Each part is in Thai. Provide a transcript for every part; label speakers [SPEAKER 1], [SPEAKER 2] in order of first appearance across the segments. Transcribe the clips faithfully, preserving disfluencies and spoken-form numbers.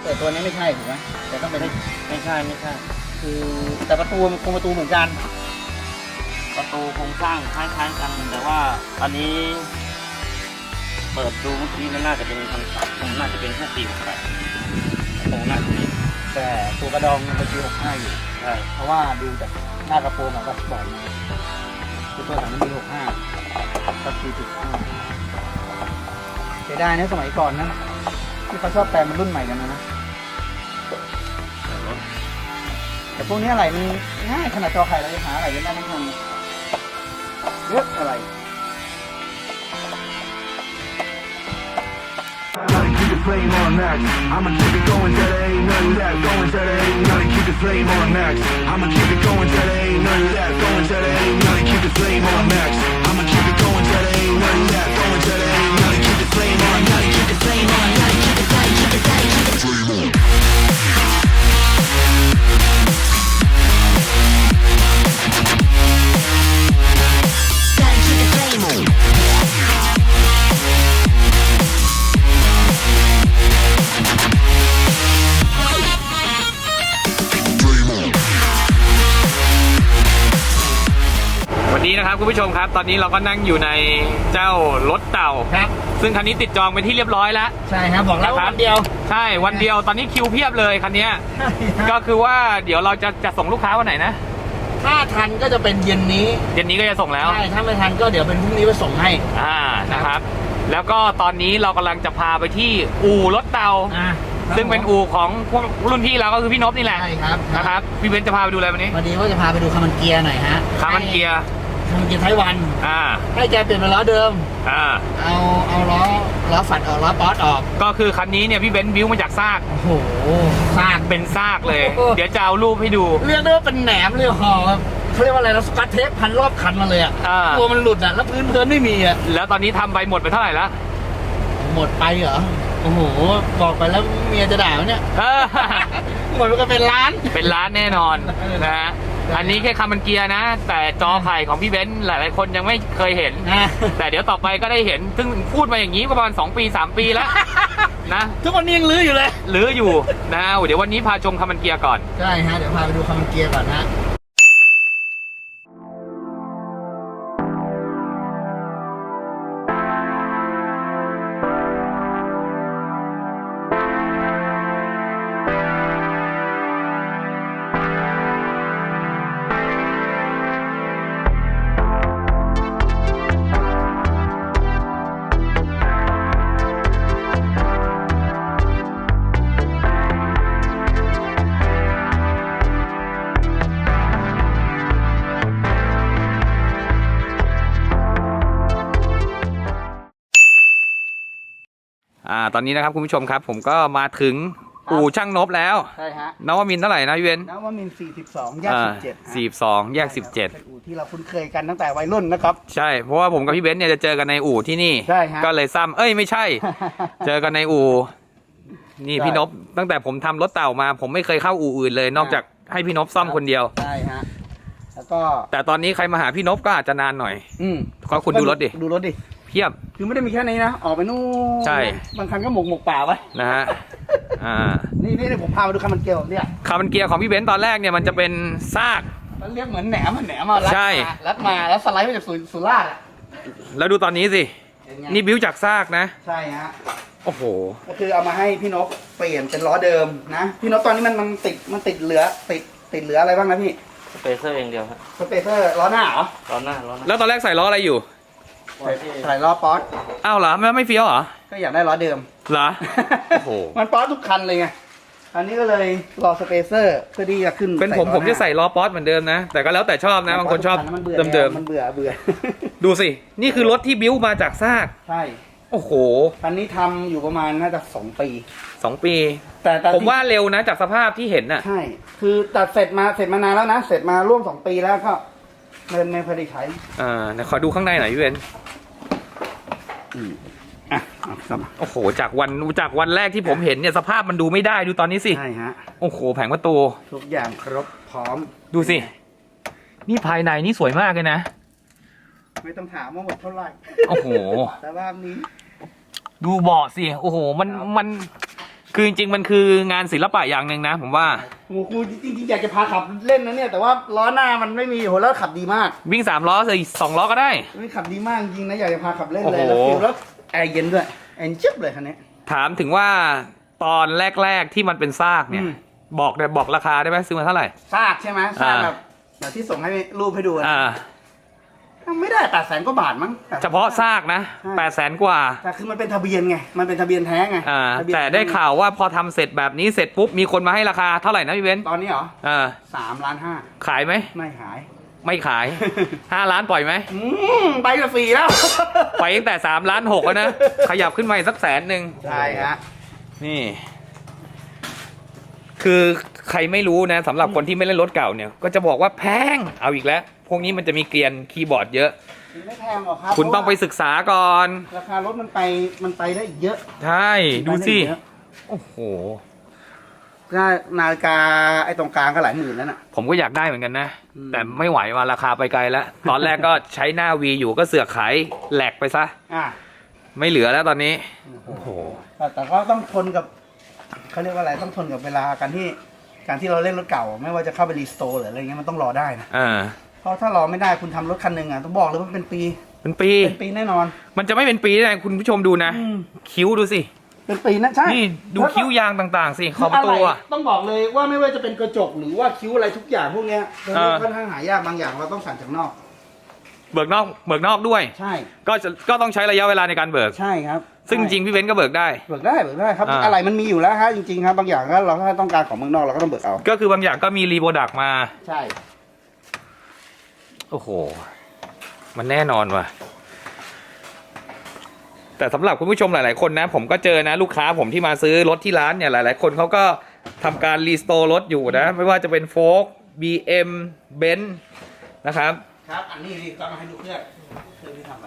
[SPEAKER 1] แต่ตัวนี้ไม่ใช่ถูกไหมแต่ต้องเป็น
[SPEAKER 2] ไม่ใช่ไม่ใช่
[SPEAKER 1] คือแต่ประตูมันคงประตูเหมือนกัน
[SPEAKER 2] ประตูโครงสร้างคล้ายๆกันแต่ว่าอันนี้เปิดดูเมื่อกี้มันน่าจะเป็นพันสับมันน่าจะเป็นพวกปีหกแปดตรงหน้าตรงนี้
[SPEAKER 1] แต่ตัวกระดองมันเป็นปีหกห้าอยู่
[SPEAKER 2] ใช่
[SPEAKER 1] เพราะว่าดูจากหน้ากระโปรงอะก็บอกมาคือตัวถังมันมีหกห้าก็คือจุดห้าเสียดายนะสมัยก่อนนะที่เขาชอบแปลงมันรุ่นใหม่กันนะนะแต่พวกนี้อะไรมันง่ายขนาดจอไข่เราจะหาอะไรกันได้ทั้งนั้นเยอะอะไร
[SPEAKER 3] Keep the flame on max. I'ma keep it going till there ain't none of that. Going till there ain't none. Keep the flame on max. I'ma keep it going till there ain't none of that. Going till there ain't none. Keep the flame on max. I'ma keep it going till there ain't none of that. Going till there ain't none. Keep the flame on. Gotta keep the flame on. Gotta keep the flame. Keep the flame. Keep the flame on. Gotta keep the flame on.
[SPEAKER 4] วันนี้นะครับคุณผู้ชมครับตอนนี้เราก็นั่งอยู่ในเจ้ารถเต่า
[SPEAKER 1] ครับ
[SPEAKER 4] ซึ่งคันนี้ติดจองเป็นที่เรียบร้อยแล้ว
[SPEAKER 1] ใช่ครับบอกแล้วว่าวันเดียว
[SPEAKER 4] ใช่วันเดียวตอนนี้คิวเพียบเลยคันนี้ก็คือว่าเดี๋ยวเราจะจะส่งลูกค้าวันไหนนะ
[SPEAKER 1] ถ้าทันก็จะเป็นเย็นนี้
[SPEAKER 4] เย็นนี้ก็จะส่งแล้ว
[SPEAKER 1] ใช่ถ้าไม่ทันก็เดี๋ยวเป็นพรุ่งนี้ไปส่งให้
[SPEAKER 4] อ่านะครับ แล้วก็ตอนนี้เรากำลังจะพาไปที่อู่รถเต่า
[SPEAKER 1] อ่า
[SPEAKER 4] ซึ่งเป็นอู่ของพวกรุ่นพี่เราก็คือพี่นพนี่แหละ
[SPEAKER 1] ใช่ครับ
[SPEAKER 4] นะครับพี่เบนซ์จะพาไปดูอะไรวันนี้
[SPEAKER 1] วันนี้ว่าจะพาไปดูคามันเกียร์หน่อยฮะ
[SPEAKER 4] คามันเกียร์
[SPEAKER 1] คามันเกียร์ไต้หวัน
[SPEAKER 4] อ่า
[SPEAKER 1] ให้แกเปลี่ยนเป็นล้อเดิม
[SPEAKER 4] อ่า
[SPEAKER 1] เอาเอาล้อล้อฝัดออกล้อป๊อตออก
[SPEAKER 4] ก็คือคันนี้เนี่ยพี่เบนซ์บิ้วมาจากซาก
[SPEAKER 1] โอ้โหซาก
[SPEAKER 4] เป็นซากเลย
[SPEAKER 1] โอ้โห
[SPEAKER 4] เดี๋ยวจะเอารูปให้ดู
[SPEAKER 1] เรียกได้ว่าเป็นแหนมเลยห่อครับเขาเรียกว่าอะไรนะสกัดเทปพันรอบคันมาเลยอ่ะ
[SPEAKER 4] อ่า
[SPEAKER 1] ตัวมันหลุดอ่ะแล้วพื้นเพลินไม่มีอ่ะ
[SPEAKER 4] แล้วตอนนี้ทำไปหมดไปเท่าไหร่แล้ว
[SPEAKER 1] หมดไปเหรอโอ้โหบอกไปแล้วเมียจะด่าไหมเนี่ย
[SPEAKER 4] เออ
[SPEAKER 1] หมดไปก็เป็นล้าน
[SPEAKER 4] เป็นร้านแน่นอนนะฮะ อันนี้แค่คามันเกียร์นะ แต่จอไข่ของพี่เบนซ์หลายๆคนยังไม่เคยเห็น
[SPEAKER 1] นะ
[SPEAKER 4] แต่เดี๋ยวต่อไปก็ได้เห็น ซึ่งพูดมาอย่างนี้ประมาณสองปีสามปีแล้วนะ
[SPEAKER 1] ทุกวันนี้ยังลื้ออยู่เลย
[SPEAKER 4] หรืออยู่นะเดี๋ยววันนี้พาชมคามันเกียร์ก่อน
[SPEAKER 1] ใช่ฮะเดี๋ยวพาไปดูคามันเกียร์ก่อนฮะ
[SPEAKER 4] อ่า ตอนนี้นะครับคุณผู้ชมครับ ผมก็มาถึงอู่ช่างนบแล้ว
[SPEAKER 1] ใช่ฮะ
[SPEAKER 4] นวมินทร์เท่าไหร่นะพี่เบนซ์
[SPEAKER 1] นวมินทร์สี่สิบสองแยกสิบเจ็ด
[SPEAKER 4] สี่สิบสองแยกสิบเจ็ด
[SPEAKER 1] เป็นอู่ที่เราคุ้นเคยกันตั้งแต่วัยรุ่นนะครับ
[SPEAKER 4] ใช่ เพราะว่าผมกับพี่เบนซ์เนี่ยจะเจอกันในอู่ที่นี่
[SPEAKER 1] ใช่ฮะ
[SPEAKER 4] ก็เลยซ้ำเอ้ยไม่ใช่ เจอกันในอู่นี่
[SPEAKER 1] ใช่
[SPEAKER 4] พี่นพตั้งแต่ผมทำรถเต่ามา ผมไม่เคยเข้าอู่อื่นเลย นอกจากให้พี่นพซ่อมคนเดียว
[SPEAKER 1] ใช่ฮะแล้วก็
[SPEAKER 4] แต่ตอนนี้ใครมาหาพี่นพก็อาจจะนานหน่อย
[SPEAKER 1] อืม
[SPEAKER 4] ก็คุณดูรถดิ
[SPEAKER 1] ดูรถดิ
[SPEAKER 4] เพียบ
[SPEAKER 1] คือไม่ได้มีแค่นี้นะ ออกไปนู่น
[SPEAKER 4] ใช่
[SPEAKER 1] บางคันก็หมกหมกป่าไว้
[SPEAKER 4] นะฮะอ่า
[SPEAKER 1] นี่นี่ผมพามาดูคามันเกียร์ผมเนี่ย
[SPEAKER 4] คาร์บอนเกียร์ของพี่เบนซ์ตอนแรกเนี่ยมันจะเป็นซาก
[SPEAKER 1] มันเรียกเหมือนแหนมอะแหนมมารัด
[SPEAKER 4] ใช่
[SPEAKER 1] มารัดมาแล้วสไลด์มาจากสุสุราษฎร์อะ
[SPEAKER 4] แล้วดูตอนนี้สิ
[SPEAKER 1] เป็นไง
[SPEAKER 4] นี่บิ้วจากซากนะ
[SPEAKER 1] ใช่ฮะ
[SPEAKER 4] โอ้โห
[SPEAKER 1] ก็คือเอามาให้พี่นกเปลี่ยนเป็นล้อเดิมนะพี่นกตอนนี้มันมันติดมันติดเหลือติดติดเหลืออะไรบ้างนะพี่
[SPEAKER 2] สเปเซอร์อย่างเดียวครับ
[SPEAKER 1] สเปเซอร์ล้อหน้าเหรอ
[SPEAKER 2] ล้อหน้าล้อหน้า
[SPEAKER 4] แล้วตอนแรกใส่ล้ออะไรอยู่
[SPEAKER 1] ใส่ใส่ล้อป๊อต
[SPEAKER 4] อ้าวเหรอไม่ไม่เฟี้ยวเหรอ
[SPEAKER 1] ก็อยากได้ล้อเดิม
[SPEAKER 4] เหรอ โอ้โห
[SPEAKER 1] มันป๊อตทุกคันเลยไงอันนี้ก็เลยรอสเปเซอร์เพื่อที่จะขึ้น
[SPEAKER 4] เป็นผม
[SPEAKER 1] ล้อ
[SPEAKER 4] ผมจะ
[SPEAKER 1] หา
[SPEAKER 4] ใส่ล้อป๊อตเหมือนเดิมนะ แต่ก็แล้วแต่ชอบนะ บางคนชอบ
[SPEAKER 1] มันเบื่อ
[SPEAKER 4] เดิม
[SPEAKER 1] มันเบื่อเบื่อ
[SPEAKER 4] ๆ ดูสิ นี่คือรถที่บิ้วมาจากซาก
[SPEAKER 1] ใช่
[SPEAKER 4] โอ้โห
[SPEAKER 1] คันนี้ทำอยู่ประมาณน่าจะสองปี
[SPEAKER 4] สองปี
[SPEAKER 1] แต่แต่
[SPEAKER 4] ผมว่าเร็วนะจากสภาพที่เห็นน่ะ
[SPEAKER 1] ใช่ คือตัดเสร็จมาเสร็จมานานแล้วนะ เสร็จมาร่วมสองปีแล้วก็เดินไม่พอได้ใช้
[SPEAKER 4] อ่าเดี๋ยวขอดูข้างในหน่อยพี่เบนซ์
[SPEAKER 1] อ่ะเอาครับ
[SPEAKER 4] โอ้โห จากวันจากวันแรกที่ผมเห็นเนี่ยสภาพมันดูไม่ได้ดูตอนนี้สิ
[SPEAKER 1] ใช่ฮะ
[SPEAKER 4] โอ้โห แผงประตู
[SPEAKER 1] ทุกอย่างครบพร้อม
[SPEAKER 4] ดูสิ นี่ภายในนี่สวยมากเลยนะ
[SPEAKER 1] ไม่ต้องถามว่าหมดเท่าไหร่
[SPEAKER 4] โอ้โห
[SPEAKER 1] แต่ว่านี้
[SPEAKER 4] ดูเบาะสิ โอ้โห มัน มันคือจริงๆมันคืองานศิลปะอย่างหนึ่งนะผมว่า
[SPEAKER 1] โอ้โหกูจริงๆอยากจะพาขับเล่นนะเนี่ยแต่ว่าล้อหน้ามันไม่มีโหแล้วขับดีมาก
[SPEAKER 4] วิ่งสามล้อใส่สองล้อก็ได้
[SPEAKER 1] ไม่ขับดีมากจริงนะอยากจะพาขับเล่นเลย
[SPEAKER 4] โอ้
[SPEAKER 1] แล้ว
[SPEAKER 4] โห
[SPEAKER 1] ฟิลแล้วแอร์เย็นด้วยแอร์จิ๊บเลยคันนี้
[SPEAKER 4] ถามถึงว่าตอนแรกๆที่มันเป็นซากเนี่ย
[SPEAKER 1] อืม
[SPEAKER 4] บอกได้บอกราคาได้ไหมซื้อมาเท่าไหร่
[SPEAKER 1] ซากใช่ไหมซาก
[SPEAKER 4] อ่า
[SPEAKER 1] แบบแบบที่ส่งให้รูปให้ดูอะ
[SPEAKER 4] อ่า
[SPEAKER 1] ไม่ได้แปดแสนกว่าบาทมั้ง
[SPEAKER 4] เฉพาะซากนะ
[SPEAKER 1] ใช่
[SPEAKER 4] แปดแสนกว่า
[SPEAKER 1] แต่คือมันเป็นทะเบียนไงมันเป็นทะเบียนแท้ไง
[SPEAKER 4] อ่า
[SPEAKER 1] ทะเบียน
[SPEAKER 4] แต่ได้ข่าวว่าพอทำเสร็จแบบนี้เสร็จปุ๊บมีคนมาให้ราคาเท่าไหร่นะพี่เบนซ์
[SPEAKER 1] ตอนนี้เหรอ
[SPEAKER 4] อ่า
[SPEAKER 1] สามล้านห้า
[SPEAKER 4] ขายไหม
[SPEAKER 1] ไม่ขาย
[SPEAKER 4] ไม่ขาย ห้าล้านปล่อยไหม
[SPEAKER 1] อืมไปกับฟรีแล้ว
[SPEAKER 4] ไปตั้งแต่สามล้านหกแล้วนะ ขยับขึ้นมาอีกสักแสนหนึ่ง
[SPEAKER 1] ใช่ฮะ
[SPEAKER 4] นี่ คือใครไม่รู้นะสำหรับคนที่ไม่เล่นรถเก่าเนี่ย ก็จะบอกว่าแพงเอาอีกแล้ว พวกนี้มันจะมีเกลียนคีย์บอร์ดเยอะ
[SPEAKER 1] ไม่แพงหรอกครับ
[SPEAKER 4] คุณต้องไปศึกษาก่อน
[SPEAKER 1] ราคารถมันไปมันไปได้อีกเยอะ
[SPEAKER 4] ใช่ ดูสิ
[SPEAKER 1] ไปไอีกเยอะ
[SPEAKER 4] โอ้โห
[SPEAKER 1] ก็นาฬิกาไอ้ตรงกลางก็หลายหมื่นแล้วน่ะ
[SPEAKER 4] ผมก็อยากได้เหมือนกันนะ
[SPEAKER 1] อืม
[SPEAKER 4] แต่ไม่ไหวว่าราคาไปไกลแล้ว ตอนแรกก็ใช้หน้าวีอยู่ก็เสือกขายแหลกไปซะ
[SPEAKER 1] อ่ะ
[SPEAKER 4] ไม่เหลือแล้วตอนนี้ โอ้โห
[SPEAKER 1] แต่แต่ก็ต้องทนกับเขาเรียกว่าอะไรต้องทนกับเวลาการที่การที่เราเล่นรถเก่า ไม่ว่าจะเข้าไปรีสโตร์หรืออะไรเงี้ยมันต้องรอได้นะ
[SPEAKER 4] อ่า
[SPEAKER 1] เพราะถ้ารอไม่ได้คุณทำรถคันหนึ่งอ่ะต้องบอกเลยว่าเป็นปี
[SPEAKER 4] เป็นปี
[SPEAKER 1] เป็นปีแน่นอน
[SPEAKER 4] มันจะไม่เป็นปีได้ไงคุณผู้ชมดูนะ
[SPEAKER 1] อืม
[SPEAKER 4] คิ้วดูสิ
[SPEAKER 1] เป็นปีนะใช่
[SPEAKER 4] นี่ดู
[SPEAKER 1] แล้วก็
[SPEAKER 4] คิ้วยางต่างๆสิข
[SPEAKER 1] คือ
[SPEAKER 4] อบประตู
[SPEAKER 1] ไร
[SPEAKER 4] อะ
[SPEAKER 1] ต้องบอกเลยว่าไม่ว่าจะเป็นกระจกหรือว่าคิ้วอะไรทุกอย่างพวกเนี้ย
[SPEAKER 4] เออ
[SPEAKER 1] ค่อนข้างหายากบางอย่างเราต้องสั่งจากนอก
[SPEAKER 4] เบิกนอกเบิกนอกด้วย
[SPEAKER 1] ใช่
[SPEAKER 4] ก็จะก็ต้องใช้ระยะเวลาในการเบิก
[SPEAKER 1] ใช่ครับ
[SPEAKER 4] ซึ่งจริงๆพี่เบนซ์ก็เบิกได้
[SPEAKER 1] เบิกได้เบิกได้ครับ
[SPEAKER 4] อ่า
[SPEAKER 1] อะไรมันมีอยู่แล้วฮะจริงๆครับบางอย่างก็เราถ้าต้องการของเมืองนอกเราก็ต้องเบิกเอา
[SPEAKER 4] ก็คือบางอย่างก็มีรีโปรดักต์มา
[SPEAKER 1] ใช่
[SPEAKER 4] โอ้โห มันแน่นอนว่ะ แต่สำหรับคุณผู้ชมหลายๆคนนะ ผมก็เจอนะ ลูกค้าผมที่มาซื้อรถที่ร้านเนี่ยหลายๆคนเขาก็ทำการรีสโตร์รถอยู่นะ ไม่ว่าจะเป็นโฟล์กบีเอ็มเบนซ์นะครับ
[SPEAKER 1] ครับอันนี้นี่ก็มาให้ดูเครื่องเครื่องที่ทำไป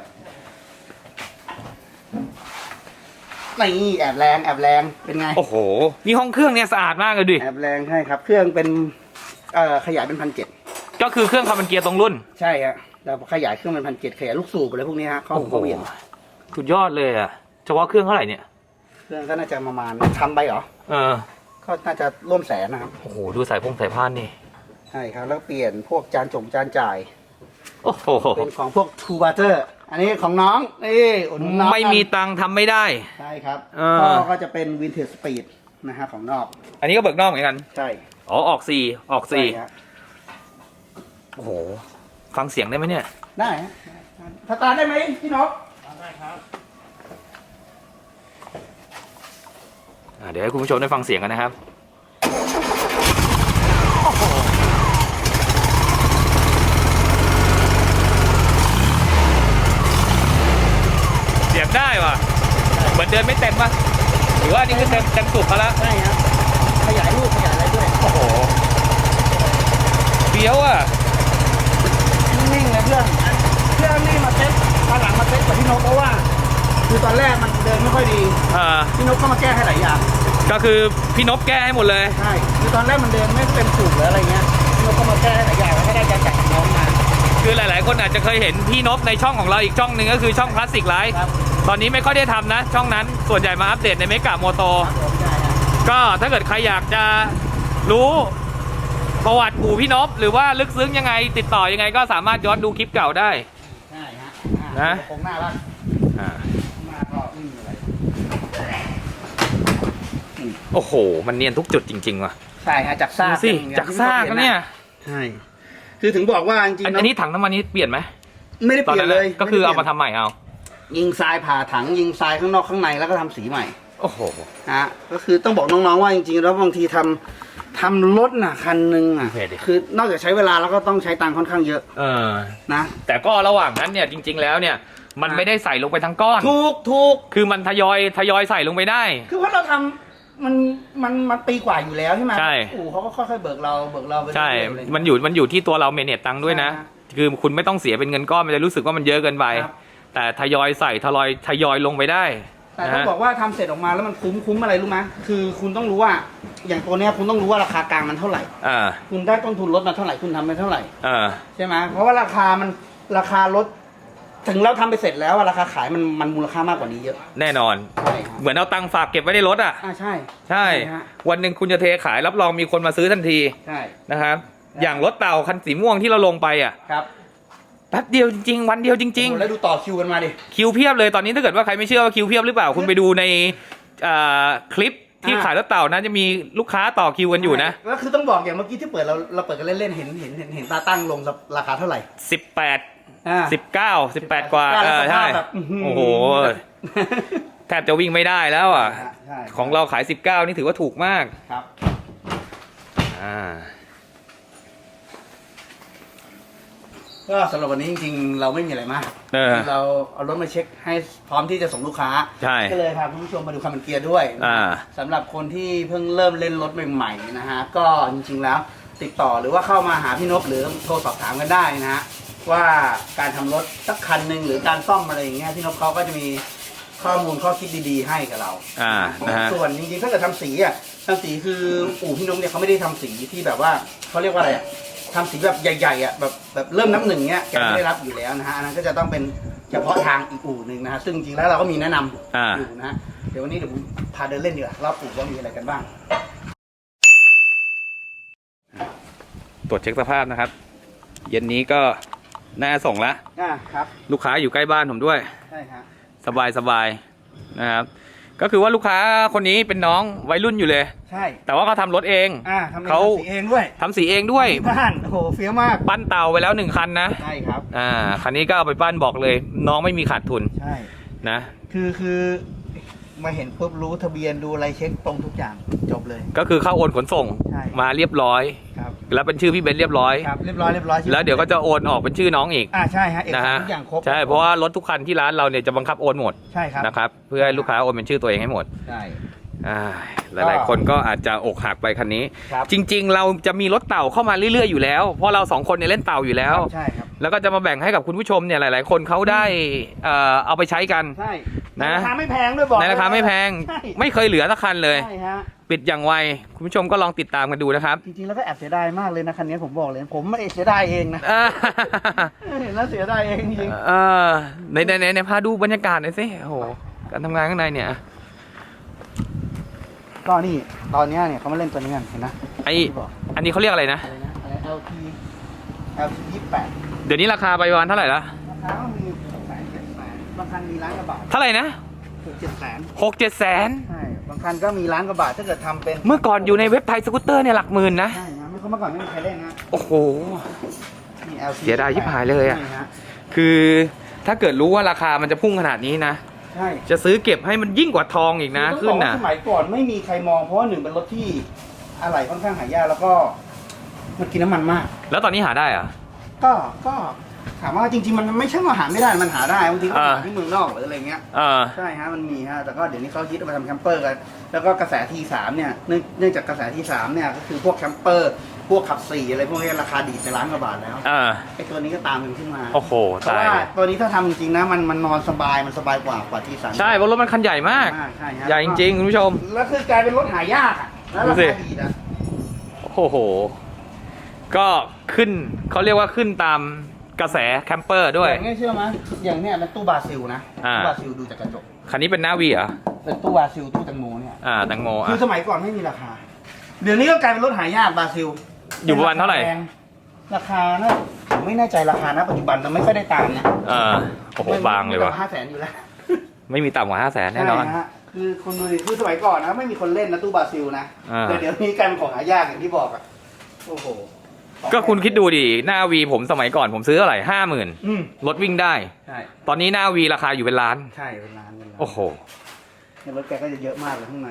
[SPEAKER 1] นี่แอบแรงแอบแรงเป็นไง
[SPEAKER 4] โอ้โห นี่ห้องเครื่องเนี่ยสะอาดมากเลยดิ
[SPEAKER 1] แอบแรงใช่ครับ เครื่องเป็นเอ่อขยายเป็นพันเจ็ด
[SPEAKER 4] ก็คือเครื่องคาร์บอนเกียร์ตรงรุ่น
[SPEAKER 1] ใช่ฮะแล้วขยายเครื่องเป็นพันเจ็ดขยายลูกสูบอะไรพวกนี้ฮะเข้า
[SPEAKER 4] โอ้โห
[SPEAKER 1] เข้าเวียน
[SPEAKER 4] สุดยอดเลยอะเฉพาะเครื่องเท่าไหร่เนี่ย
[SPEAKER 1] เครื่องก็น่าจะประมาณทำไปเหรอ
[SPEAKER 4] เออ
[SPEAKER 1] ก็น่าจะร่วมแสนนะครับ
[SPEAKER 4] โอ้โห ดูสายพงสายพานนี่
[SPEAKER 1] ใช่ครับแล้วเปลี่ยนพวกจานจงจานจ่าย
[SPEAKER 4] โอ้โห
[SPEAKER 1] เป็นของพวกทูบาเตอร์อันนี้ของน้องนี่อุดหนุนน้อง
[SPEAKER 4] ไม่มีตังค์ทำไม่ได้
[SPEAKER 1] ใช่ครับ
[SPEAKER 4] เออ
[SPEAKER 1] พ่อก็จะเป็นวินเทจสปีดนะฮะของนอก
[SPEAKER 4] อันนี้ก็เบิกนอกเหมือนกัน
[SPEAKER 1] ใช่
[SPEAKER 4] อ๋อ ออกสี่ออกสี่
[SPEAKER 1] ใช่ฮะ
[SPEAKER 4] โอ้โห ฟังเสียงได้ไหมเนี่ย
[SPEAKER 1] ได้ฮะสตาร์ทได้ไหมพี่นก
[SPEAKER 4] อ่ะเดี๋ยวให้คุณผู้ชมได้ฟังเสียงกันนะครับ เสียงได้ว่ะ เหมือนเดินไม่เต็มป่ะ หรือว่านี่คือเต็มเต็มสุดเขาแล้ว
[SPEAKER 1] ใช่ครับขยายรูปขยายอะไรด้วย
[SPEAKER 4] โอ้โหเบี้ยวอ่ะ
[SPEAKER 1] นิ่งๆเลยเพื่อนเครื่องนี่มาเซ็ตตอนหลังมาเซ็ตกับพี่นกเพราะว่า คือตอนแรกมันเดินไม่ค่อยดี
[SPEAKER 4] อ่า
[SPEAKER 1] พี่นกก็มาแก้ให้หลายอย่าง
[SPEAKER 4] ก็คือพี่นพแก้ให้หมดเลย
[SPEAKER 1] ใช่คือตอนแรกมันเดินไม่เต็มสูบหรืออะไรเงี้ยพี่นกก็มาแก้ให้หลายอย่างแล้วก็ได้การจัดน้องมา
[SPEAKER 4] คือหลาย ๆ คนอาจจะเคยเห็นพี่นพในช่องของเราอีกช่องหนึ่งก็คือช่องคลาสสิกไลฟ์
[SPEAKER 1] ครับ
[SPEAKER 4] ตอนนี้ไม่ค่อยได้ทำนะ ช่องนั้นส่วนใหญ่มาอัปเดตในเมกะโมโต
[SPEAKER 1] ครับผมใช่ฮะ
[SPEAKER 4] ก็ถ้าเกิดใครอยากจะรู้ประวัติปู่พี่นพหรือว่าลึกซึ้งยังไง ติดต่อยังไงก็สามารถย้อนดูคลิปเก่าได้
[SPEAKER 1] ใช่ฮะ
[SPEAKER 4] นะ
[SPEAKER 1] คงน่ารัก
[SPEAKER 4] อ่า
[SPEAKER 1] มาก็ไม่มีอะไร
[SPEAKER 4] โอ้โห มันเนียนทุกจุดจริง ๆ ว่ะ
[SPEAKER 1] ใช่ฮะจากซาก
[SPEAKER 4] ดูสิ
[SPEAKER 1] เป็นอย่ง
[SPEAKER 4] จากซากนะเนี่ย
[SPEAKER 1] ใช่คือถึงบอกว่าจริง
[SPEAKER 4] อัน
[SPEAKER 1] ๆ
[SPEAKER 4] อัน
[SPEAKER 1] เนาะ
[SPEAKER 4] นี้ถังน้ำมันนี้เปลี่ยนไหม
[SPEAKER 1] ไม่ได้
[SPEAKER 4] ตอน
[SPEAKER 1] เปลี่ย
[SPEAKER 4] นั้น น
[SPEAKER 1] เลย
[SPEAKER 4] ก็คือเอามา
[SPEAKER 1] ไได้ปลี่ยน
[SPEAKER 4] ทำใหม่เอา
[SPEAKER 1] ยิงทรายผ่าถังยิงทรายข้างนอกข้างในแล้วก็ทำสีใหม่
[SPEAKER 4] โอ้โห
[SPEAKER 1] ฮะก็คือต้องบอกน้องๆว่าจริงๆแล้วบางทีทำทำรถน่ะคันหนึ่งอ่ะ
[SPEAKER 4] โอเคดิ
[SPEAKER 1] คือนอกจากใช้เวลาแล้วก็ต้องใช้ตังค์ค่อนข้างเยอะ
[SPEAKER 4] เออ
[SPEAKER 1] นะ
[SPEAKER 4] แต่ก็ระหว่างนั้นเนี่ยจริง ๆ แล้วเนี่ย มันไม่ได้ใส่ลงไปทั้งก้อน
[SPEAKER 1] ถูกถูก
[SPEAKER 4] คือมันทยอยทยอยใส่ลงไปได้
[SPEAKER 1] คือว่าเราทำมันมันมันปีกว่าอยู่แล้วใช่ไหม
[SPEAKER 4] ใช่
[SPEAKER 1] โอ้เขาก็ค่อยๆเบิกเราเบิกเราไป
[SPEAKER 4] ใช่
[SPEAKER 1] เรื่อยๆอะไรอย่างเงี้ย
[SPEAKER 4] มันอยู่มันอยู่ที่ตัวเราเมเนจตังค์ด้วยนะ
[SPEAKER 1] ใช่ฮะ
[SPEAKER 4] คือคุณไม่ต้องเสียเป็นเงินก้อนมันจะรู้สึกว่ามันเยอะเกินไป
[SPEAKER 1] ครับ
[SPEAKER 4] แต่ทยอยใส่ทยอยทยอยลงไปได้
[SPEAKER 1] แต่
[SPEAKER 4] นะ
[SPEAKER 1] ต้อง
[SPEAKER 4] ฮะ
[SPEAKER 1] บอกว่าทำเสร็จออกมาแล้วมันคุ้มคุ้มอะไรรู้ไหมคือคุณต้องรู้ว่า อย่างตัวเนี้ยคุณต้องรู้ว่าราคากลางมันเท่าไหร่
[SPEAKER 4] อ่า
[SPEAKER 1] คุณได้ต้นทุนรถมาเท่าไหร่คุณทำไปเท่าไหร่
[SPEAKER 4] อ่า
[SPEAKER 1] ใช่ไหมเพราะว่าราคามันราคารถถึงเราทำไปเสร็จแล้วอะราคาขายมันมันมูลค่ามากกว่านี้เยอะ
[SPEAKER 4] แน่นอน
[SPEAKER 1] ใช่ครับ
[SPEAKER 4] เหมือนเอาตังค์ฝากเก็บไว้ในรถอ่ะ
[SPEAKER 1] อ่าใช่
[SPEAKER 4] ใช่
[SPEAKER 1] ฮะ
[SPEAKER 4] วันหนึ่งคุณจะเทขายรับรองมีคนมาซื้อทันที
[SPEAKER 1] ใช่
[SPEAKER 4] นะครับ อย่างรถเต่าคันสีม่วงที่เราลงไปอ่ะ
[SPEAKER 1] ครับ
[SPEAKER 4] แป๊บเดียวจริงๆวันเดียวจริง
[SPEAKER 1] โอ้โหแล้วดูต่อคิวกันมาดิ
[SPEAKER 4] ๆ คิวเพียบเลยตอนนี้ถ้าเกิดว่าใครไม่เชื่อว่าคิวเพียบหรือเปล่า คุณไปดูในอ่าคลิปที่
[SPEAKER 1] อ่า
[SPEAKER 4] ขายรถเต่านะจะมีลูกค้าต่อคิวกันอยู่นะ
[SPEAKER 1] แล้วคือต้องบอกอย่างเมื่อกี้ที่เปิดเราเราเปิดกันเล่นๆเห็นเห็นเห็นเห็นตาตั้งลงราคาเท่าไหร่
[SPEAKER 4] สิบแปด
[SPEAKER 1] อ่า
[SPEAKER 4] สิบเก้า สิบแปดกว่า
[SPEAKER 1] แล้ว
[SPEAKER 4] เออ
[SPEAKER 1] สภา
[SPEAKER 4] ใช่
[SPEAKER 1] พแบบอื้อหือ
[SPEAKER 4] โอ้โห แทบจะวิ่งไม่ได้แล้วอ่ะ
[SPEAKER 1] ใช่
[SPEAKER 4] ของเราขายสิบเก้านี่ถือว่าถูกมาก
[SPEAKER 1] ครับ
[SPEAKER 4] อ่า
[SPEAKER 1] ก็สำหรับวันนี้จริงๆ เราไม่มีอะไรมาก
[SPEAKER 4] เออ
[SPEAKER 1] เราเอารถมาเช็คให้พร้อมที่จะส่งลูกค้า
[SPEAKER 4] ใช่
[SPEAKER 1] ก็เลยพาคุณผู้ชมมาดูคันมันเกียร์ด้วย
[SPEAKER 4] อ่า
[SPEAKER 1] สำหรับคนที่เพิ่งเริ่มเล่นรถใหม่ๆนะฮะก็จริงๆแล้วติดต่อหรือว่าเข้ามาหาพี่นพหรือโทรสอบถามกันได้นะฮะว่าการทำรถสักคันหนึ่งหรือการซ่อมอะไรอย่างเงี้ยพี่นพเขาก็จะมีข้อมูลข้อคิดดีๆให้กับเรา
[SPEAKER 4] อ่านะฮะ
[SPEAKER 1] ส่วนจริงๆถ้าเกิดทำสีอ่ะทำสีคืออู่พี่นพเนี่ยเขาไม่ได้ทำสีที่แบบว่าเขาเรียกว่าอะไรอ่ะทำสีแบบใหญ่ๆอ่ะแบบแบบเริ่มนับหนึ่งเนี้ยแกไม่ได้รับอยู่แล้วนะฮะอันนั้นก็จะต้องเป็นเฉพาะทางอีกอู่หนึ่งนะฮะซึ่งจริงๆแล้วเราก็มีแนะนำ
[SPEAKER 4] อ่า
[SPEAKER 1] อยู่นะฮะเดี๋ยววันนี้เดี๋ยวผมพาเดินเล่นดีกว่ารอบอู่ว่ามีอะไรกันบ้าง
[SPEAKER 4] ตรวจเช็คสภาพนะครับ เย็นนี้ก็น่าส่งละ
[SPEAKER 1] อ่าครับ
[SPEAKER 4] ลูกค้าอยู่ใกล้บ้านผมด้วย
[SPEAKER 1] ใช่ฮะ
[SPEAKER 4] สบายสบายนะครับ ก็คือว่าลูกค้าคนนี้เป็นน้องวัยรุ่นอยู่เลย
[SPEAKER 1] ใช่
[SPEAKER 4] แต่ว่าเขาทำรถเอง
[SPEAKER 1] อ่าทำเอง
[SPEAKER 4] เขา
[SPEAKER 1] ทำสีเองด้วย
[SPEAKER 4] ทำสีเองด้วย
[SPEAKER 1] ที่บ้านโอ้โหเฟี้ยวมาก
[SPEAKER 4] ปั้นเตาไปแล้วหนึ่งคันนะ
[SPEAKER 1] ใช่ครับ
[SPEAKER 4] อ่า คันนี้ก็เอาไปปั้นบอกเลย น้องไม่มีขาดทุน
[SPEAKER 1] ใช่
[SPEAKER 4] นะ
[SPEAKER 1] คือคือมาเห็นปุ๊บรู้ทะเบียนดูอะไรเช็คตรงทุกอย่างจบเลย
[SPEAKER 4] ก็คือเข้าโอนขนส่ง
[SPEAKER 1] ใช่
[SPEAKER 4] มาเรียบร้อย
[SPEAKER 1] ครับ
[SPEAKER 4] แล้วเป็นชื่อพี่เบนซ์เรียบร้อย
[SPEAKER 1] ครับเรียบร้อยเรียบร้อย
[SPEAKER 4] แล้วเดี๋ยวก็จะโอนออกเป็นชื่อน้องอีก
[SPEAKER 1] อ่าใช่ฮะเอก
[SPEAKER 4] นะ
[SPEAKER 1] สาร
[SPEAKER 4] ฮะ
[SPEAKER 1] ทุกอย่างครบ
[SPEAKER 4] ใช่เพราะว่ารถทุกคันที่ร้านเราเนี่ยจะบังคับโอนหมด
[SPEAKER 1] ใช่ครับ
[SPEAKER 4] นะครับ เพื่อให้ลูกค้าโอนเป็นชื่อตัวเองให้หมด
[SPEAKER 1] ใช่
[SPEAKER 4] อ่าหลายๆคนก็อาจจะอกหักไปคันนี้
[SPEAKER 1] ครับ
[SPEAKER 4] จริง ๆ เราจะมีรถเต่าเข้ามาเรื่อยๆอยู่แล้ว เพราะเราสองคนเนี่ยเล่นเต่าอยู่แล้ว
[SPEAKER 1] ใช่ครับ
[SPEAKER 4] แล้วก็จะมาแบ่งให้กับคุณผู้ชมเนี่ยหลายๆ คนเขาได้เอ่อเอาไปใช้กัน
[SPEAKER 1] ใช่
[SPEAKER 4] นะ
[SPEAKER 1] ราคาไม่แพงด้วยบอก
[SPEAKER 4] ในราคาไม่แพง
[SPEAKER 1] ใช่
[SPEAKER 4] ไม่เคยเหลือสักคันเลย
[SPEAKER 1] ใช่ฮะ
[SPEAKER 4] ปิดอย่างไวคุณผู้ชมก็ลองติดตามกันดูนะครับ
[SPEAKER 1] จริงๆแล้วก็แอบเสียดายมากเลยนะคันนี้ผมบอกเลย ผมไม่ได้เสียดายเองนะ
[SPEAKER 4] อ่า
[SPEAKER 1] เห็นแล้วเสียดายเองจริง
[SPEAKER 4] เออในในในในพาดูบรรยากาศหน่อยสิโอ้โหการทำงานข้างในเนี่ย
[SPEAKER 1] ก็นี่ตอนเนี้ยเนี่ยเขามาเล่นตัวนี้กันเห็นนะ
[SPEAKER 4] ไอ
[SPEAKER 1] ที่บอก
[SPEAKER 4] อันนี้เขาเรียกอะไรนะ
[SPEAKER 1] อะไรนะอะไร แอล ที แอล ที ยี่สิบแปด
[SPEAKER 4] เดี๋ยวนี้ราคาไปประมาณเท่าไหร่ละ
[SPEAKER 1] ราคาก็มีหกแสนเจ็ดแสนบางคันมีล้านกว่าบาท
[SPEAKER 4] เท่าไหร่นะ
[SPEAKER 1] หกเจ็ดแสน
[SPEAKER 4] หกเจ็ดแสน
[SPEAKER 1] ใช่บางคันก็มีล้านกว่าบาทถ้าเกิดทำเป็น
[SPEAKER 4] เมื่อก่อนอยู่ในเว็บไทยสกูตเตอร์เนี่ยหลักหมื่นนะ
[SPEAKER 1] ใช่นะไม่เขาเมื่อก่อนไม่มีใครเล่นนะ
[SPEAKER 4] โอ้โห
[SPEAKER 1] นี่ แอล ที
[SPEAKER 4] เสียดายชิบหายเลยอะ
[SPEAKER 1] นี่ฮะ
[SPEAKER 4] คือถ้าเกิดรู้ว่าราคามันจะพุ่งขนาดนี้นะ
[SPEAKER 1] ใช่
[SPEAKER 4] จะซื้อเก็บให้มันยิ่งกว่าทองอีกนะ
[SPEAKER 1] ต้อง
[SPEAKER 4] ขึ้
[SPEAKER 1] บ
[SPEAKER 4] น
[SPEAKER 1] อกว่า
[SPEAKER 4] นะ
[SPEAKER 1] สมัยก่อนไม่มีใครมองเพราะว่าหนึ่งเป็นรถที่อะไหล่ค่อนข้างหายากแล้วก็มันกินน้ำมันมาก
[SPEAKER 4] แล้วตอนนี้หาได้เหรอะ
[SPEAKER 1] ก็ก็ถามว่าจริงๆมันไม่ใช่ว่าหาไม่ได้มันหาได้บางทีก็
[SPEAKER 4] อ่า
[SPEAKER 1] หาที่เมืองนอกหรืออะไรเงี้ย
[SPEAKER 4] เออ
[SPEAKER 1] ใช่ฮะมันมีฮะแต่ก็เดี๋ยวนี้เขาคิดเอาไปทำแคมเปอร์กัน แล้วก็กระแสทีสามเนี่ยเนื่องเนื่องจากกระแสทีสามเนี่ยก็คือพวกแคมเปอร์พวกขับสี่อะไรพวกนี้ราคาดีดไปล้านกว่าบาทแล้ว
[SPEAKER 4] เออ
[SPEAKER 1] ไอ้ตัวนี้ก็ตามมันขึ้นมา
[SPEAKER 4] โอ้โห
[SPEAKER 1] เพราะ
[SPEAKER 4] ตาย
[SPEAKER 1] ว่า
[SPEAKER 4] เลย
[SPEAKER 1] ตัวนี้ถ้าทำจริงๆนะมันมันนอนสบายมันสบายกว่ากว่าทีสาม
[SPEAKER 4] ใช่เพราะรถมันคันใหญ่มาก
[SPEAKER 1] ใช่ฮะ
[SPEAKER 4] ใหญ่จริงๆคุณผู้ชม
[SPEAKER 1] แล้วคือกลายเป็นรถหายากอ่ะแล้วรา
[SPEAKER 4] ดูสิ
[SPEAKER 1] คาดีดอ่ะ
[SPEAKER 4] โอ้โห ก็ขึ้นเขาเรียกว่าขึ้นตามกระแสแคมเปอร์ด้วย
[SPEAKER 1] อย่างเงี้ยเชื่อไหมอย่างเนี้ยเป็นตู้บราซิลนะ
[SPEAKER 4] อ่า
[SPEAKER 1] ตู้บราซิลดูจากกระจก
[SPEAKER 4] คันนี้เป็นหน้าวีเหรอ
[SPEAKER 1] เป็นตู้บราซิลตู้แตงโมเนี่ย
[SPEAKER 4] อ่าแตงโม
[SPEAKER 1] คือ
[SPEAKER 4] อ่ะ
[SPEAKER 1] สมัยก่อนไม่มีราคา เดี๋ยวนี้ก็กลายเป็นรถหายากบราซิล
[SPEAKER 4] อยู่ประมาณเท่าไหร่
[SPEAKER 1] แพงราคาน่าผมไม่แน่ใจราคานะปัจจุบันแต่ไม่ค่อยได้ตามนะ
[SPEAKER 4] เออโอ้โหบางเลยว่ะ
[SPEAKER 1] ห้าแสนอยู่แล้ว
[SPEAKER 4] ไม่มีต่ำกว่าห้าแสนแน่นอน
[SPEAKER 1] ใช่ฮะคือคนดูดิคือสมัยก่อนนะไม่มีคนเล่นนะตู้บราซิลนะ
[SPEAKER 4] อ่า
[SPEAKER 1] แต่เดี๋ยวนี้กลายเป็นของหายากอย่างที่บอกอ่ะโอ้โห
[SPEAKER 4] ก็คุณคิดดูดิหน้าวีผมสมัยก่อนผมซื้อเท่าไหร่ห้าหมื่น
[SPEAKER 1] อืม
[SPEAKER 4] รถวิ่งได้
[SPEAKER 1] ใช่
[SPEAKER 4] ตอนนี้หน้าวีราคาอยู่เป็นล้าน
[SPEAKER 1] ใช่เป็นร้านเป็นร้าน
[SPEAKER 4] โอ้โห
[SPEAKER 1] ในรถแกก็จะเยอะมากเลยข้างใน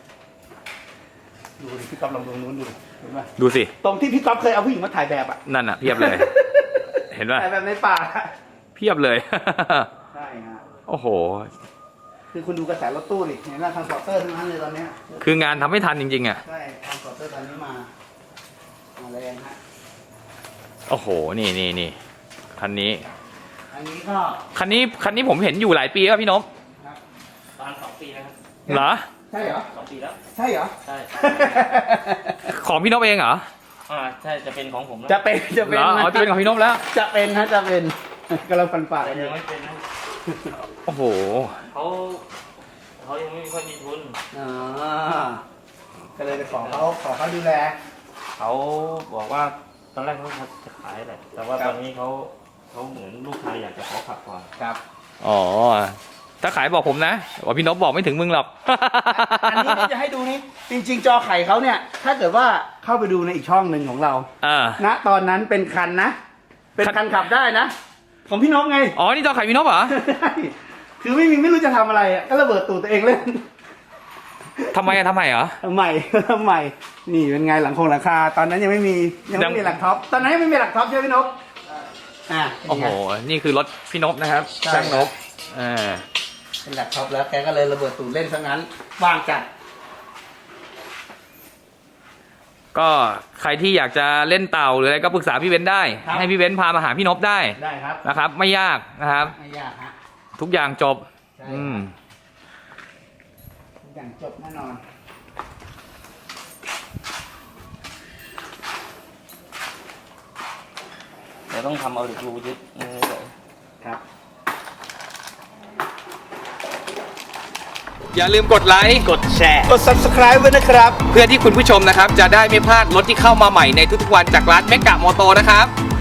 [SPEAKER 1] ดูดิพี่ก๊อฟลองดูนู้นดูดิเห็นป่ะ
[SPEAKER 4] ดูสิ
[SPEAKER 1] ตรงที่พี่ก๊อฟเคยเอาผู้หญิงมาถ่ายแบบอ่ะ
[SPEAKER 4] นั่นอ่ะเพียบเลย เห็นป่ะ
[SPEAKER 1] ถ่ายแบบในป่า
[SPEAKER 4] เพียบเลย
[SPEAKER 1] ใช่ฮะ
[SPEAKER 4] โอ้โห
[SPEAKER 1] คือคุณดูกระแสรถตู้ดิเห็นไหมทางสปอร์เตอร์ทั้งนั้นเลยตอนเนี้ย
[SPEAKER 4] คืองานทำไม่ทันจริงๆอ่ะ
[SPEAKER 1] ใช่ทางสปอร์เตอร์ตอนนี้มามาแรงฮะ
[SPEAKER 4] โอ้โห นี่นี่นี่คันนี้
[SPEAKER 1] อันนี้ก็
[SPEAKER 4] คันนี้คันนี้ผมเห็นอยู่หลายปีแล้วพี่นพ
[SPEAKER 1] ครับ
[SPEAKER 2] ประมาณสองปีแล้วครับ
[SPEAKER 4] เหรอ
[SPEAKER 1] ใช่เหรอ
[SPEAKER 2] สองปีแล้ว
[SPEAKER 1] ใช่เหรอ
[SPEAKER 2] ใช่
[SPEAKER 4] ของพี่นพเองเหรอ
[SPEAKER 2] อ่าใช่จะเป็นของผมแล้ว
[SPEAKER 1] จะเป็นจะเป็
[SPEAKER 4] เห
[SPEAKER 1] น
[SPEAKER 4] รออ๋อจะเป็นของพี่นพแล้ว
[SPEAKER 1] จะเป็นฮะจะเป็นกำลังฟันฝ่า
[SPEAKER 2] แต่
[SPEAKER 1] กันอ
[SPEAKER 2] ยั
[SPEAKER 1] ยู่
[SPEAKER 2] งไม่เป็นนะ
[SPEAKER 4] โอ้โห
[SPEAKER 2] เขาเขายังไม่ค่อยมีทุน
[SPEAKER 1] อ๋อก็เลยไปขอเขาขอเขาดูแล
[SPEAKER 2] เขาบอกว่าตอนแรกเขาจะขายแหละแต่ว่า
[SPEAKER 1] ครับ
[SPEAKER 2] ตอนนี้เขาเขาเหมือนลูกค้าอยากจะขอขับก่อน
[SPEAKER 1] ครับ
[SPEAKER 4] อ๋อ ถ้าขายบอกผมนะว่าพี่นพบอกไม่ถึงมึงหรอก
[SPEAKER 1] อันนี้ที่จะให้ดูนี่จริง ๆ จอไข่เขาเนี่ย ถ้าเกิดว่าเข้าไปดูในอีกช่องหนึ่งของเรา
[SPEAKER 4] อ่า
[SPEAKER 1] ณตอนนั้นเป็นคันนะ เป็นคันขับได้นะ ของพี่นพไง
[SPEAKER 4] อ๋อ นี่จอไข่พี่นพเหรอ
[SPEAKER 1] คือไม่มีไม่รู้จะทำอะไรอะก็ระเบิดตูดตัวเองเล่น
[SPEAKER 4] ทำไมอะทำไมเหรอ
[SPEAKER 1] ทำไม ทำไมนี่เป็นไงหลังคงหลังคา ตอนนั้นยังไม่มียัง
[SPEAKER 4] ยั
[SPEAKER 1] ไม่
[SPEAKER 4] ง
[SPEAKER 1] มีหลังท็อปตอนนั้นยังไม่มีหลังท็อปใช่ไหมพี่นพอ่า
[SPEAKER 4] โอ้โห นี่คือรถพี่นพนะครับ
[SPEAKER 1] ใช่
[SPEAKER 4] ช่างนพอ่า
[SPEAKER 1] เป็นหลังท็อปแล้วแกก็เลยระเบิดตูดเล่นซะงั้นว่างจัด
[SPEAKER 4] ก็ใครที่อยากจะเล่นเต่าหรืออะไรก็ปรึกษาพี่เบนซ์ได้
[SPEAKER 1] ครับ
[SPEAKER 4] ให้พี่เบนซ์พามาหาพี่นพได้
[SPEAKER 1] ได้ครับ
[SPEAKER 4] นะครับ ไม่ยากนะครับ
[SPEAKER 1] ไม่ยากฮะ
[SPEAKER 4] ทุกอย่างจบ
[SPEAKER 1] ใช่
[SPEAKER 4] อืม
[SPEAKER 1] ทุกอย่างจบแน่นอน
[SPEAKER 2] เดี๋ยวต้องทำเอาเหล็กรูยึดมือเลย
[SPEAKER 1] ครับ
[SPEAKER 4] อย่าลืมกดไลค์กดแชร์
[SPEAKER 1] กด subscribe ไว้นะครับ
[SPEAKER 4] เพื่อที่คุณผู้ชมนะครับ จะได้ไม่พลาดรถที่เข้ามาใหม่ในทุกๆวันจากร้านเมกะมอโตนะครับ